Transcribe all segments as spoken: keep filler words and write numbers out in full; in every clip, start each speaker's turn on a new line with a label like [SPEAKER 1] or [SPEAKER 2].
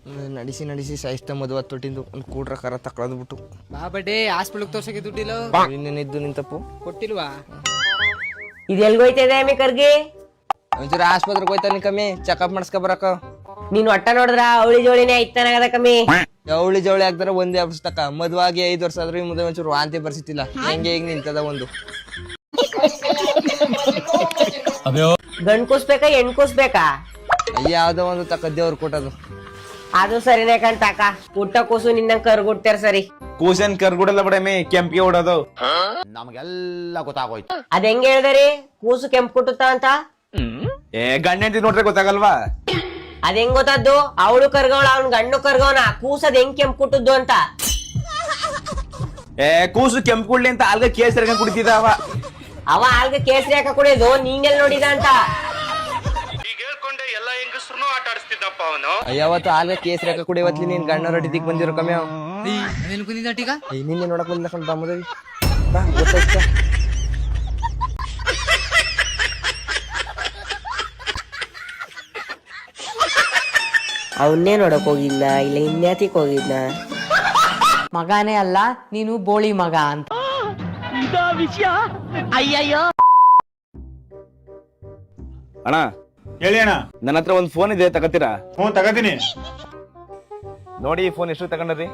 [SPEAKER 1] ನಡೆಸಿ ನಡೆಸಿ ಸಾಯಿಸ್ತ ಮದುವೆ ತೊಟ್ಟಿಂದು ಒಂದು ಕೂಡ್ರ ಕರ ತಕೊಳ್ಳೋದ್ಬಿಟ್ಟು
[SPEAKER 2] ಬಾ ಬಡ್ಡೆ ಹಾಸ್ಪಿಟಲ್ ತೋರ್ಸಕ್ಕೆ ದುಡ್ಡಿಲ್ಲ
[SPEAKER 1] ಇನ್ನೇನಿದ್ದು ನಿಂತಪ್ಪು
[SPEAKER 2] ಕೊಟ್ಟಿಲ್ವಾ?
[SPEAKER 3] ಇದು ಎಲ್ಗೋಯ್ತದೆ ಅಮ್ಮಿ ಕರ್ಗಿ?
[SPEAKER 1] ಒಂಚೂರು ಆಸ್ಪತ್ರೆಗೆ ಹೋಯ್ತಾನೆ ಕಮ್ಮಿ ಚೆಕಪ್ ಮಾಡಿಸ್ಕೊ ಬರಕ.
[SPEAKER 3] ನೀನ್ ಒಟ್ಟ ನೋಡಿದ್ರ ಅವಳಿ ಜೋಳಿನೇ ಐತಾನಾಗದ ಕಮ್ಮಿ.
[SPEAKER 1] ಅವಳಿ ಜವಳಿ ಆಗ್ತಾರ ಒಂದೇ ವರ್ಷ ತಕ ಮದುವಾಗಿ ಐದು ವರ್ಷ ಆದ್ರೂ ಈ ಮುಂದೆ ಒಂಚೂರು ವಾಂತಿ ಬರ್ಸಿತ್ತಿಲ್ಲ. ಹೆಂಗೆ ಈಗ ನಿಂತದ ಒಂದು
[SPEAKER 3] ಗಂಡ್ ಕೂಸ್ಬೇಕಾ ಹೆಣ್ ಕೂಸ್ಬೇಕಾ?
[SPEAKER 1] ಯಾವ್ದೋ ಒಂದು ತಕ ದೇವ್ರು ಕೊಟ್ಟದು.
[SPEAKER 3] ಅದು ಸರಿನೇ ಕಣ್ತಾಕ. ಪುಟ್ಟ ಕೂಸು ನಿನ್ನ ಕರ್ಗುಡ್ತಾರ ಸರಿ.
[SPEAKER 4] ಕೂಸೇನ್ ಕರ್ಗುಡಲ್ಲ ಬಿಡಮಿ, ಕೆಂಪಿಗೆ ಹೊಡೋದು. ನಮಗೆಲ್ಲ ಗೊತ್ತಾಗೋಯ್ತು.
[SPEAKER 3] ಅದ್ ಹೆಂಗ್ ಹೇಳ್ದರಿ ಕೂಸು ಕೆಂಪು ಕುಟ್ಟುತ್ತ ಅಂತ?
[SPEAKER 4] ಏ ಗಂಡ ಹೆಂಡತಿ ನೋಡ್ರೆ ಗೊತ್ತಾಗಲ್ವಾ?
[SPEAKER 3] ಅದ್ ಹೆಂಗ್ ಗೊತ್ತದ್ದು? ಅವಳು ಕರ್ಗವಳ ಅವ್ನ್ ಗಂಡು ಕರ್ಗವನ, ಕೂಸದ್ ಹೆಂಗ್ ಕೆಂಪು ಕುಟ್ಟದ್ದು ಅಂತ.
[SPEAKER 4] ಏ ಕೂಸು ಕೆಂಪು ಕುಡ್ಲಿ ಅಂತ ಅಲ್ಗ ಕೇಸರಿ ಕುಡಿತಿದ ಅವ.
[SPEAKER 3] ಅವ ಆಲ್ಗ ಕೇಸರಿ ಹಾಕ ಕುಡಿಯೋದು ನೀನೆಲ್ ನೋಡಿದ ಅಂತ?
[SPEAKER 1] ಯಾವತ್ತು ಆಲ್ಗ ಕೇಸರಿ ಹಾಕ ಕುಡಿಯವತ್ಲಿ ನೀನ್ ಗಣ್ಣ ರೊಟ್ಟಿದಿಕ್ ಬಂದಿರೋ ಕಮ್ಮಿ ಅವ್
[SPEAKER 2] ಕುಂದಿದ್ದೀಗ
[SPEAKER 1] ನಿನ್ನೆ ನೋಡಕ್ ಬಂದಿಲ್ಲ ಕಣ್ ಬಾಮದೇವಿ. ಬಾ ಗೊತ್ತಾಯ್ತ.
[SPEAKER 3] ಅವನ್ನೇ ನೋಡಕ್ ಹೋಗಿದ್ನ ಇಲ್ಲ ಇನ್ಯಾತಿಕ್ ಹೋಗಿದ್ನ?
[SPEAKER 5] ಮಗನೇ ಅಲ್ಲ ನೀನು ಬೋಳಿ ಮಗ ಅಂತ.
[SPEAKER 3] ಅಯ್ಯಯ್ಯೋ
[SPEAKER 4] ಅಣ್ಣ
[SPEAKER 6] ಹೇಳಿ ಅಣ್ಣ.
[SPEAKER 4] ನನ್ನ ಹತ್ರ ಒಂದ್ ಫೋನ್ ಇದೆ, ತಗತ್ತೀರಾ?
[SPEAKER 6] ಹ್ಞೂ ತಗತೀನಿ.
[SPEAKER 4] ನೋಡಿ ಈ ಫೋನ್ ಎಷ್ಟು ತಗೊಂಡ್ರಿ?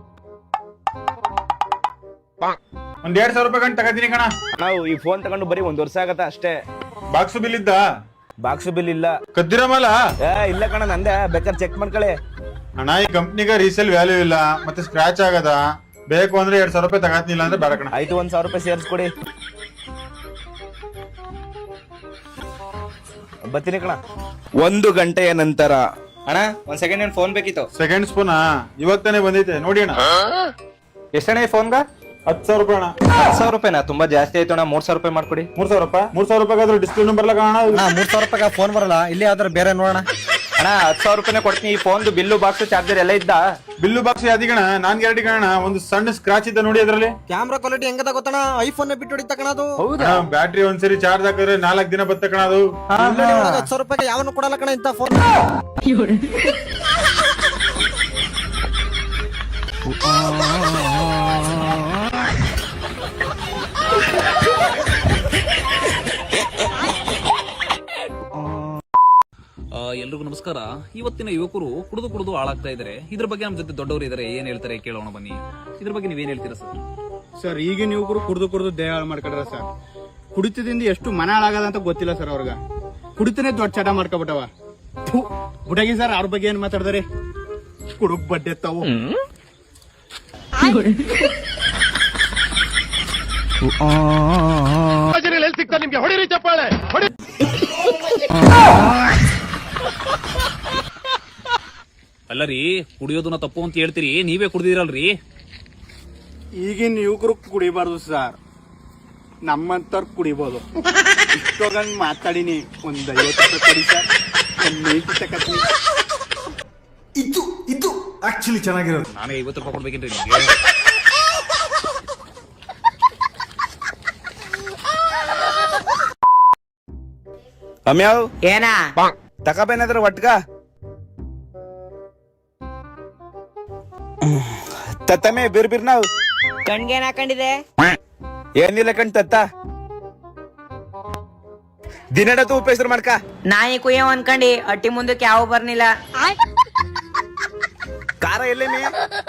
[SPEAKER 6] ಒಂದ್ ಎರಡ್ ಸಾವಿರ ರೂಪಾಯಿ ಗಂಟು ತಗತೀನಿ ಕಣ.
[SPEAKER 4] ನಾವು ಈ ಫೋನ್ ತಗೊಂಡು ಬರೀ ಒಂದ್ ವರ್ಷ ಆಗತ್ತ ಅಷ್ಟೇ.
[SPEAKER 6] ಬಾಕ್ಸ್ ಬಿಲ್ ಇದ್ದ?
[SPEAKER 4] ಬಾಕ್ಸ್ ಬಿಲ್ ಇಲ್ಲ.
[SPEAKER 6] ಕದ್ದಿರಮಲ್ಲ?
[SPEAKER 4] ಏ ಇಲ್ಲ ಕಣ, ನಂದೆ. ಬೇಕಾದ್ರೆ ಚೆಕ್ ಮಾಡ್ಕೊಳ್ಳಿ.
[SPEAKER 6] ಅಣ್ಣ ಈ ಕಂಪ್ನಿಗೆ ರೀಸೇಲ್ ವ್ಯಾಲ್ಯೂ ಇಲ್ಲ, ಮತ್ತೆ ಸ್ಕ್ರಾಚ್ ಆಗದ. ಬೇಕು ಅಂದ್ರೆ ಎರಡ್ ಸಾವಿರ ರೂಪಾಯಿ ತಗತ್ನಿಲ್ಲ ಅಂದ್ರೆ ಬೇಡ ಕಣ.
[SPEAKER 4] ಆಯ್ತು, ಒಂದ್ ಸಾವಿರ ರೂಪಾಯಿ ಸೇರ್ಸ್ಕೊಡಿ. ಬರ್ತೀನಿ ಕಣ. ಒಂದು ಗಂಟೆಯ ನಂತರ.
[SPEAKER 7] ಅಣ್ಣ ಒಂದ್ ಸೆಕೆಂಡ್ ಏನ್ ಫೋನ್ ಬೇಕಿತ್ತು.
[SPEAKER 6] ಸೆಕೆಂಡ್ ಸ್ಪೂನಾ ಇವಾಗ ತಾನೇ ಬಂದೈತೆ ನೋಡಿ ಅಣ್ಣ.
[SPEAKER 7] ಎಷ್ಟಣ್ಣ ಈ ಫೋನ್ಗ?
[SPEAKER 6] ಹತ್ತು ಸಾವಿರ ರೂಪಾಯಿ ಅಣ್ಣ.
[SPEAKER 7] ಹತ್ತು ಸಾವಿರ ರೂಪಾಯಿನಾ? ತುಂಬಾ ಜಾಸ್ತಿ ಆಯ್ತು ಅಣ್ಣ. ಮೂರ್ ಸಾವಿರ ರೂಪಾಯಿ ಮಾಡ್ಕೊಡಿ.
[SPEAKER 6] ಮೂರ್ ಸಾವಿರ ರೂಪಾಯಿ ಮೂರ್ ಸಾವಿರ ರೂಪಾಯಿ ಆದ್ರೂ ಡಿಸ್ಪ್ಲೇ ನಂಬರ್ ಕಾಣ.
[SPEAKER 7] ಮೂರ್ ಸಾವಿರ ರೂಪಾಯಿ ಫೋನ್ ಬರಲ್ಲ, ಇಲ್ಲಿ ಯಾವ್ದಾರು ಬೇರೆ ನೋಡೋಣ. ಅಣ್ಣ ಹತ್ತು ಸಾವಿರ ರೂಪಾಯಿನೇ ಕೊಡ್ತೀನಿ. ಈ ಫೋನ್ ಬಿಲ್ಲು ಬಾಕ್ಸ್ ಚಾರ್ಜರ್ ಎಲ್ಲ ಇದ್ದ?
[SPEAKER 6] ಬಿಲ್ಲು ಬಾಕ್ಸ್ ಯಾವ್ದಿ ಕಣ? ನಾನ್ ಗ್ಯಾರಂಟಿ ಕಣ. ಒಂದು ಸಣ್ಣ ಸ್ಕ್ರಾಚ್ ಇದ್ದ ನೋಡಿ ಅದ್ರಲ್ಲಿ.
[SPEAKER 7] ಕ್ಯಾಮ್ರಾ ಕ್ವಾಲಿಟಿ ಹೆಂಗದ ಗೊತ್ತಣ್ಣ? ಐಫೋನ್ ಬಿಟ್ಟು ಹೊಡಿತ ಕಣ ಅದು.
[SPEAKER 6] ಬ್ಯಾಟ್ರಿ ಒಂದ್ಸರಿ ಚಾರ್ಜ್ ಹಾಕಿದ್ರೆ ನಾಲ್ಕ್ ದಿನ ಬತ್ತ ಕಣ ಅದು.
[SPEAKER 7] ಹತ್ತು ಸಾವಿರ ರೂಪಾಯಿ ಯಾವನು ಕೊಡಲ್ಲ ಕಣ ಇಂತ ಫೋನ್.
[SPEAKER 8] ಎಲ್ರಿಗೂ ನಮಸ್ಕಾರ. ಇವತ್ತಿನ ಯುವಕರು ಕುಡಿದು ಕುಡಿದು ಹಾಳಾಗ್ತಾ ಇದಾರೆ. ಇದ್ರ ಬಗ್ಗೆ ನಮ್ಮ ಜೊತೆ ದೊಡ್ಡವರು ಇದಾರೆ, ಏನ್ ಹೇಳ್ತಾರೆ ಕೇಳೋಣ ಬನ್ನಿ. ಇದ್ರ ಬಗ್ಗೆ ನೀವೇನ್ ಹೇಳ್ತೀರಾ ಸರ್?
[SPEAKER 9] ಸರ್ ಈಗಿನ ಯುವಕರು ಕುಡಿದು ಕುಡಿದು ದೇಹ ಹಾಳು ಮಾಡ್ಕೊಂಡ್ರ ಸರ್. ಕುಡಿತದಿಂದ ಎಷ್ಟು ಮನ ಹಾಳಾಗದ ಅಂತ ಗೊತ್ತಿಲ್ಲ ಸರ್ ಅವ್ರಿಗೆ. ಕುಡಿತನೇ ದೊಡ್ಡ ಚಟ ಮಾಡ್ಕೊಬಿಟ್ಟವ. ಹುಡುಗಿ ಸರ್ ಅವ್ರ ಬಗ್ಗೆ ಏನ್ ಮಾತಾಡ್ದಾರೆ? ಕುಡುಕ್ ಬಡ್ಡೆ ತಾವು.
[SPEAKER 6] ನಿಮ್ಗೆ ಹೊಡಿರಿ ಚಪ್ಪಾಳೆ.
[SPEAKER 8] ಅಲ್ಲರಿ, ಕುಡಿಯೋದನ್ನ ತಪ್ಪು ಅಂತ ಹೇಳ್ತೀರಿ, ನೀವೇ ಕುಡ್ದಿರಲ್ರಿ.
[SPEAKER 9] ಈಗಿನ ಯುವಕರು ಕುಡಿಬಾರ್ದು ಸರ್, ನಮ್ಮಂತವ್ರು ಕುಡಿಬೋದು. ಇಷ್ಟೊಂದು ಮಾತಾಡಿನಿ. ಒಂದ್ ಐವತ್ತು ರೂಪಾಯಿ ಕೊಡಿ ಸರ್, ಒಂದ್ ನೈಟ್ ತಕತೀನಿ.
[SPEAKER 6] ಇದು ಇದು ಆಕ್ಚುಲಿ ಚೆನ್ನಾಗಿರೋದು.
[SPEAKER 8] ನಾನೇ ಐವತ್ತು ರೂಪಾಯಿ ಕೊಡ್ಬೇಕೇನ್ರಿ ನಿಮ್ಗೆ?
[SPEAKER 4] ಅಮ್ಯಾವ್
[SPEAKER 3] ಏನ
[SPEAKER 4] ತಕಬೇನಾದ್ರ ಒಟ್ಗ ತತ್ತಮೆ ಬಿರ್ ಬಿರ್ ನಾವು
[SPEAKER 3] ಕಣ್ಗೇನ್ ಹಾಕೊಂಡಿದೆ?
[SPEAKER 4] ಏನಿಲ್ಲ ಕಣ್ ತತ್ತ. ದಿನಡತು ಉಪಯೋಗ ಮಾಡ್ಕ.
[SPEAKER 3] ನಾಯಿ ಕುಯ್ಯೋ ಅನ್ಕಂಡಿ ಅಟ್ಟಿ ಮುಂದಕ್ಕೆ ಯಾವ ಬರ್ನಿಲ್ಲ.
[SPEAKER 4] ಖಾರ ಎಲ್ಲೇ ಮೇ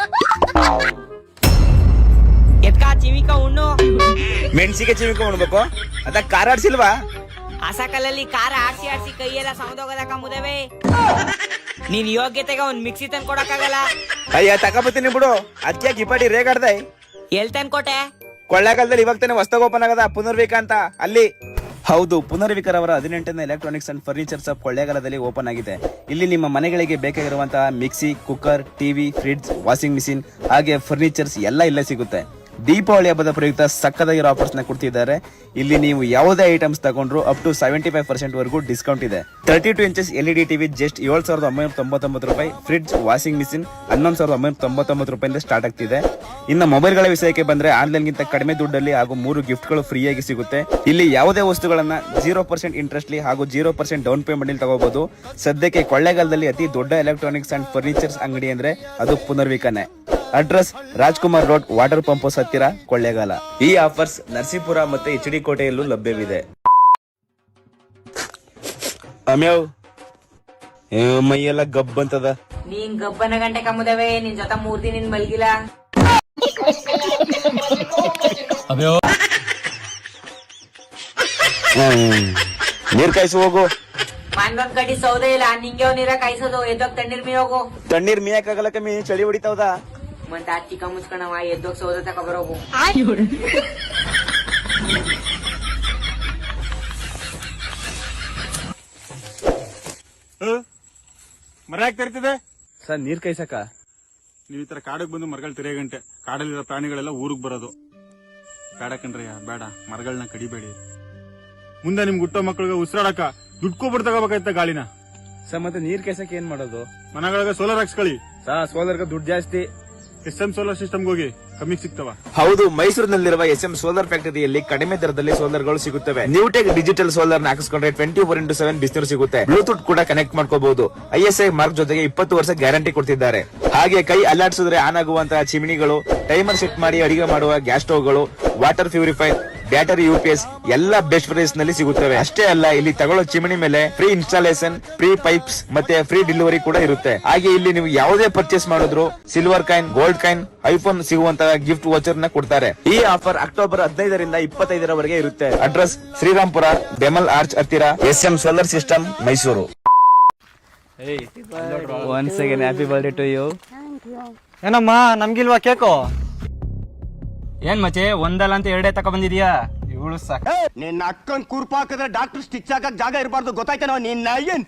[SPEAKER 3] ಎತ್ಕ ಚಿಮಿಕ ಉಣ್ಣು.
[SPEAKER 4] ಮೆಣಸಿಗೆ ಚಿಮಿಕ ಉಣ್ಬೇಕು, ಅದ ಖಾರ ಆಡ್ಸಿಲ್ವಾ?
[SPEAKER 3] ಹಸಕಲ್ಲಲ್ಲಿ ಖಾರ ಆಡ್ಸಿ ಆಡ್ಸಿ ಕೈಯೆಲ್ಲ ಸೌದೋಗದಕ್ಕ ಮುದವೆ. ನೀನ್ ಯೋಗ್ಯತೆಗೆ ಒಂದ್ ಮಿಕ್ಸಿ ತಂದ್ ಕೊಡಕ್ಕಾಗಲ್ಲ.
[SPEAKER 4] ಅಯ್ಯ ತಕಬತ್ತೀನಿ ಬಿಡು, ಅದ್ಕೆ ಗಿಪಾಡಿ ರೇಗಾಡ್ದೆ.
[SPEAKER 3] ಎಲ್ ತಂದ್ಕೊಟ್ಟೆ?
[SPEAKER 4] ಕೊಳ್ಳೇಗಾಲದಲ್ಲಿ ಇವಾಗ ತಾನೆ ಹೊಸದಾಗಿ ಓಪನ್ ಆಗದ ಪುನರ್ವಿಕ ಅಂತ, ಅಲ್ಲಿ. ಹೌದು, ಪುನರ್ವಿಕರ್ ಅವರ ಹದಿನೆಂಟನೇ ಎಲೆಕ್ಟ್ರಾನಿಕ್ಸ್ ಅಂಡ್ ಫರ್ನಿಚರ್ ಶಾಪ್ ಕೊಳ್ಳೇಗಾಲದಲ್ಲಿ ಓಪನ್ ಆಗಿದೆ. ಇಲ್ಲಿ ನಿಮ್ಮ ಮನೆಗಳಿಗೆ ಬೇಕಾಗಿರುವಂತಹ mixie, cooker, TV, fridge, washing machine ಹಾಗೆ ಫರ್ನಿಚರ್ಸ್ ಎಲ್ಲ ಇಲ್ಲೇ ಸಿಗುತ್ತೆ. ದೀಪಾವಳಿ ಹಬ್ಬದ ಪ್ರಯುಕ್ತ ಸಕ್ಕದಾಗಿರೋ ಆಫರ್ಸ್ ನ ಕೊಡ್ತಿದ್ದಾರೆ. ಇಲ್ಲಿ ನೀವು ಯಾವುದೇ ಐಟಮ್ಸ್ ತಗೊಂಡ್ರು up to seventy five percent ವರೆಗೂ ಡಿಸ್ಕೌಂಟ್ ಇದೆ. Thirty two inches L E D TV just ಏಳು ಸಾವಿರದ ಒಂಬೈನೂರ ತೊಂಬತ್ತೊಂಬತ್ತು ರೂಪಾಯಿ, ಫ್ರಿಡ್ಜ್ ವಾಷಿಂಗ್ ಮಿಷಿನ್ ಹನ್ನೊಂದು ಸಾವಿರದ ಒಂಬೈನೂರ ತೊಂಬತ್ತೊಂಬತ್ತು ರೂಪಾಯಿಂದ ಸ್ಟಾರ್ಟ್ ಆಗ್ತಿದೆ. ಇನ್ನು ಮೊಬೈಲ್ಗಳ ವಿಷಯಕ್ಕೆ ಬಂದ್ರೆ ಆನ್ಲೈನ್ ಗಿಂತ ಕಡಿಮೆ ದುಡ್ಡಲ್ಲಿ ಹಾಗೂ ಮೂರು ಗಿಫ್ಟ್ ಗಳು ಫ್ರೀ ಆಗಿ ಸಿಗುತ್ತೆ. ಇಲ್ಲಿ ಯಾವುದೇ ವಸ್ತುಗಳನ್ನ ಜೀರೋ ಪರ್ಸೆಂಟ್ ಇಂಟ್ರೆಸ್ಟ್ ಹಾಗೂ ಜೀರೋ ಪರ್ಸೆಂಟ್ ಡೌನ್ ಪೇಮೆಂಟ್ ಅಲ್ಲಿ ತಗೋಬಹುದು. ಸದ್ಯಕ್ಕೆ ಕೊಳ್ಳೇಗಾಲದಲ್ಲಿ ಅತಿ ದೊಡ್ಡ ಎಲೆಕ್ಟ್ರಾನಿಕ್ಸ್ ಅಂಡ್ ಫರ್ನಿಚರ್ಸ್ ಅಂಗಡಿ ಅಂದ್ರೆ ಅದು ಪುನರ್ವಿಕನೆ. Address Rajkumar road, water pump house ಹತ್ತಿರ, ಕೊಳ್ಳೇಗಾಲ. ಈ ಆಫರ್ಸ್ ನರಸೀಪುರ ಮತ್ತೆ ಎಚ್ ಡಿ ಕೋಟೆಯಲ್ಲೂ ಲಭ್ಯವಿದೆ. ಅಮ್ಯಾವ್ ಮೈಯೆಲ್ಲ ಗಬ್ ಅಂತದ.
[SPEAKER 3] ನೀನ್ ಗಬ್ಬನ ಗಂಟೆ ಕಮ್ಮುದವೆ, ನಿನ್ ಜೊತೆ ಮೂರ್ ದಿನ ನಿನ್ ಮಲ್ಗಿಲ್ಲ.
[SPEAKER 4] ನೀರ್ ಕಾಯಿಸಿ ಹೋಗು.
[SPEAKER 3] ಮನ್ಗೊಂದ್ ಕಡಿ ಸೌದೆ ಇಲ್ಲ, ನಿಂಗೆ ನೀರ ಕಾಯಿಸೋದು. ಎದ್ದೋಗ್ ತಣ್ಣೀರ್ ಮೀ ಹೋಗು.
[SPEAKER 4] ತಣ್ಣೀರ್ ಮೀಯಕಾಗಲ್ಲ ಕಮ್ಮಿ, ಚಳಿ ಹೊಡಿತಾವ್ದ.
[SPEAKER 3] ಮತ್ತೆ ಆ ಚಿಕ್ಕ ಮುಚ್ಕಣವ, ಎದ್ದೋಗ್ ಸೌದೆ ತಗೊಬರೋಗು.
[SPEAKER 6] ಮರ ಯಾಕೆ ತರ್ತಿದೆ
[SPEAKER 4] ಸರ್ ನೀರ್ ಕಾಯ್ಸಕ?
[SPEAKER 6] ನೀವ್ ಈ ತರ ಕಾಡಕ್ ಬಂದು ಮರಗಳು ತಿರೇ ಗಂಟೆ ಕಾಡಲ್ಲಿರೋ ಪ್ರಾಣಿಗಳೆಲ್ಲ ಊರಿಗೆ ಬರೋದು. ಬೇಡ ಕಣ್ರಯ್ಯ, ಬೇಡ, ಮರಗಳನ್ನ ಕಡಿಬೇಡಿ. ಮುಂದೆ ನಿಮ್ಗೆ ಹುಟ್ಟೋ ಮಕ್ಕಳಿಗೆ ಉಸಿರಾಡಕ ದುಡ್ಕೊಬಿಟ್ಟು ತಗೋಬೇಕಾಯ್ತ ಗಾಳಿನ.
[SPEAKER 4] ಸರ್ ಮತ್ತೆ ನೀರ್ ಕಾಯ್ಸಕ್ ಏನ್ ಮಾಡೋದು?
[SPEAKER 6] ಮನೆಗಳಿಗೆ ಸೋಲಾರ್ ಹಾಕ್ಸ್ಕೊಳ್ಳಿ.
[SPEAKER 4] ಸಾ ಸೋಲಾರ್ಗೆ ದುಡ್ಡು ಜಾಸ್ತಿ.
[SPEAKER 6] ಎಸ್ ಎಂ ಸೋಲಾರ್ ಸಿಸ್ಟಮ್ಗೆ ಹೋಗಿ ಕಮ್ಮಿಗೆ ಸಿಗ್ತವ.
[SPEAKER 4] ಹೌದು, ಮೈಸೂರಿನಲ್ಲಿರುವ ಎಸ್ ಎಂ ಸೋಲಾರ್ ಫ್ಯಾಕ್ಟರಿಯಲ್ಲಿ ಕಡಿಮೆ ದರದಲ್ಲಿ ಸೋಲಾರ್ ಗಳು ಸಿಗುತ್ತವೆ. ನ್ಯೂಟೆಕ್ ಡಿಜಿಟಲ್ ಸೋಲಾರ್ ನ ಹಾಕಿಸ್ಕೊಂಡ್ರೆ ಟ್ವೆಂಟಿ ಫೋರ್ ಇಂಟು ಸೆವೆನ್ ಬಿಸಿನೀರು ಸಿಗುತ್ತೆ. ಬ್ಲೂಟೂತ್ ಕೂಡ ಕನೆಕ್ಟ್ ಮಾಡ್ಕೋಬಹುದು. ಐ ಎಸ್ ಐ ಮಾರ್ಕ್ ಜೊತೆಗೆ ಇಪ್ಪತ್ತು ವರ್ಷ ಗ್ಯಾರಂಟಿ ಕೊಡ್ತಿದ್ದಾರೆ. ಹಾಗೆ ಕೈ ಅಲ್ಲಾಡಿಸಿದ್ರೆ ಆನ್ ಆಗುವಂತಹ ಚಿಮಿನಿಗಳು, ಟೈಮರ್ ಸೆಟ್ ಮಾಡಿ ಅಡಿಗೆ ಮಾಡುವ ಗ್ಯಾಸ್ ಸ್ಟವ್ಗಳು, water purifier, battery U P S ಎಲ್ಲ ಬೆಸ್ಟ್ ಪ್ರೈಸ್ ನಲ್ಲಿ ಸಿಗುತ್ತವೆ. ಅಷ್ಟೇ ಅಲ್ಲ, ಇಲ್ಲಿ ತಗೊಳ್ಳೋ ಚಿಮಣಿ ಮೇಲೆ ಫ್ರೀ ಇನ್ಸ್ಟಾಲೇಷನ್, ಫ್ರೀ ಪೈಪ್ಸ್ ಮತ್ತೆ ಫ್ರೀ ಡೆಲಿವರಿ ಕೂಡ ಇರುತ್ತೆ. ಹಾಗೆ ಇಲ್ಲಿ ನೀವು ಯಾವುದೇ ಪರ್ಚೇಸ್ ಮಾಡಿದ್ರು silver coin, gold coin, iPhone ಸಿಗುವಂತಹ ಗಿಫ್ಟ್ ವೋಚರ್ ನ ಕೊಡ್ತಾರೆ. ಈ ಆಫರ್ ಅಕ್ಟೋಬರ್ ಹದಿನೈದರಿಂದ ಇಪ್ಪತ್ತೈದರವರೆಗೆ ಇರುತ್ತೆ. ಅಡ್ರೆಸ್ ಶ್ರೀರಾಮ್ಪುರ, ಬೆಮಲ್ ಆರ್ಚ್ ಹತ್ತಿರ, S M solar system, Mysuru. Once again happy birthday to you.
[SPEAKER 7] ಏನಮ್ಮ ನಮ್ಗಿಲ್ವಾ ಕೇಕು?
[SPEAKER 1] ಏನ್ ಮಚೆ ಒಂದಲ್ಲ ಅಂತ ಎರಡೇ ತಕ ಬಂದಿದ್ಯಾ? ಇವಳು ಸಾಕ.
[SPEAKER 9] ನಿನ್ನ ಅಕ್ಕನ್ ಕುರ್ಪ ಹಾಕಿದ್ರೆ ಡಾಕ್ಟರ್ ಸ್ಟಿಚ್ ಹಾಕಕ್ ಜಾಗ ಇರಬಾರ್ದು, ಗೊತ್ತಾಯ್ತೇನೋ? ನಿನ್ನ ಏನ್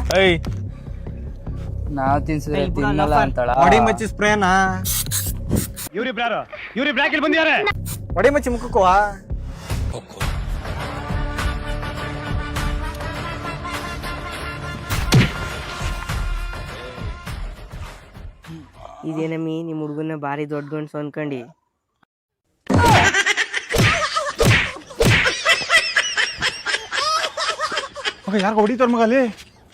[SPEAKER 2] ನಾವ್ ತಿನ್ಸಿದ್ರೆ ತಿನ್ನಲ್ಲ ಅಂತಾಳ.
[SPEAKER 7] ಹೊಡಿ ಮಚ್ಚಿ ಸ್ಪ್ರೇನಾ?
[SPEAKER 9] ಇವ್ರಿಬ್ರಾರು ಇವ್ರಿ ಬ್ರಾಕಿಲ್ ಬಂದಿದ್ದಾರೆ.
[SPEAKER 7] ಹೊಡಿ ಮಚ್ಚಿ ಮುಖಕ್ಕುವಾ?
[SPEAKER 3] ಇದೇನಮ್ಮಿ ನಿಮ್ ಹುಡುಗನ ಬಾರಿ ದೊಡ್ಡ ಗಂಡ್ಸು ಅನ್ಕಂಡಿ.
[SPEAKER 6] ಯಾರು ಹೊಡಿತಾರ ಮಗ ಅಲ್ಲಿ?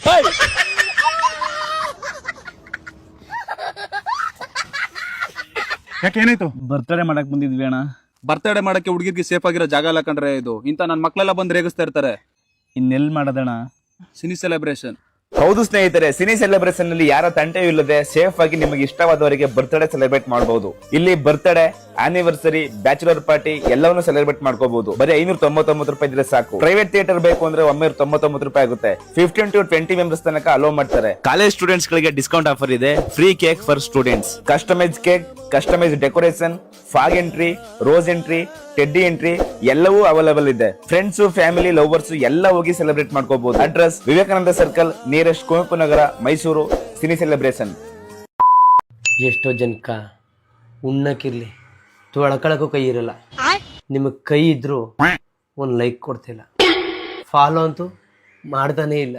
[SPEAKER 6] ಯಾಕೆ ಏನಾಯ್ತು?
[SPEAKER 4] ಬರ್ತ್ಡೇ ಮಾಡಕ್ ಬಂದಿದ್ವಿ ಅಣ್ಣ.
[SPEAKER 8] ಬರ್ತಡೇ ಮಾಡಕ್ಕೆ ಹುಡುಗಿರ್ಗೆ ಸೇಫ್ ಆಗಿರೋ ಜಾಗ ಅಲ್ಲ ಕಂಡ್ರೆ ಇದು. ಇಂತ ನನ್ ಮಕ್ಳೆಲ್ಲ ಬಂದು ರೇಗಿಸ್ತಾ ಇರ್ತಾರೆ.
[SPEAKER 4] ಇನ್ನೆಲ್ ಮಾಡೋದಣ್ಣ?
[SPEAKER 8] Cine celebration.
[SPEAKER 4] ಹೌದು ಸ್ನೇಹಿತರೆ, ಸಿನಿ ಸೆಲೆಬ್ರೇಷನ್ ನಲ್ಲಿ ಯಾರ ತಂಟೆಯೂ ಇಲ್ಲದೆ ಸೇಫ್ ಆಗಿ ನಿಮಗೆ ಇಷ್ಟವಾದವರಿಗೆ ಬರ್ತ್ಡೇ ಸೆಲೆಬ್ರೇಟ್ ಮಾಡಬಹುದು. ಇಲ್ಲಿ ಬರ್ತ್ಡೇ, ಆನಿವರ್ಸರಿ, ಬ್ಯಾಚುಲರ್ ಪಾರ್ಟಿ ಎಲ್ಲವನ್ನು ಸೆಲೆಬ್ರೇಟ್ ಮಾಡ್ಕೋಬಹುದು. ಬರೀ ಐನೂರ ತೊಂಬತ್ತೊಂಬತ್ತು ರೂಪಾಯಿ ಇದ್ರೆ ಸಾಕು. ಪ್ರೈವೇಟ್ ಥಿಯೇಟರ್ ಬೇಕು ಅಂದ್ರೆ ಒಂಬೈನೂರ ತೊಂಬತ್ತೊಂಬತ್ತು ರೂಪಾಯಿ ಆಗುತ್ತೆ. ಫಿಫ್ಟೀನ್ ಟು ಟ್ವೆಂಟಿ ಮೆಂಬರ್ಸ್ ತನಕ ಅಲೋ ಮಾಡ್ತಾರೆ. ಕಾಲೇಜ್ ಸ್ಟೂಡೆಂಟ್ಸ್ ಗಳಿಗೆ ಡಿಸ್ಕೌಂಟ್ ಆಫರ್ ಇದೆ. Free cake for students, customise cake, customise decoration, fog entry, rose entry, teddy entry ಎಲ್ಲವೂ ಅವೈಲೇಬಲ್ ಇದೆ. ಫ್ರೆಂಡ್ಸ್, ಫ್ಯಾಮಿಲಿ, ಲವರ್ಸ್ ಎಲ್ಲ ಹೋಗಿ ಸೆಲೆಬ್ರೇಟ್ ಮಾಡ್ಕೋಬಹುದು. Address Vivekananda circle, nearest Kuvempu Nagar, Mysuru. Cine celebration.
[SPEAKER 10] ಎಷ್ಟೋ ಜನಕ್ಕ ಉಣ್ಣಕ್ಕಿರ್ಲಿ ತೊಳ್ಕೊಳಕ್ಕೂ ಕೈ ಇರಲ್ಲ. ನಿಮಗ್ ಕೈ ಇದ್ರು ಒಂದ್ ಲೈಕ್ ಕೊಡ್ತಿಲ್ಲ, ಫಾಲೋ ಅಂತೂ ಮಾಡ್ತಾನೆ ಇಲ್ಲ.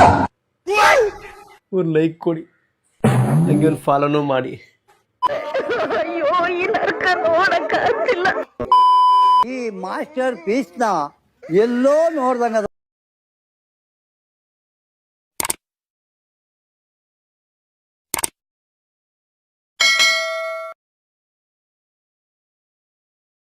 [SPEAKER 10] ಒಂದ್ ಲೈಕ್ ಕೊಡಿ, ಹಂಗೆ ಒಂದು ಫಾಲೋನು ಮಾಡಿ.
[SPEAKER 11] ಈ ಮಾಸ್ಟರ್ ಪೀಸ್ ನ ಎಲ್ಲೋ ನೋಡ್ದಂಗ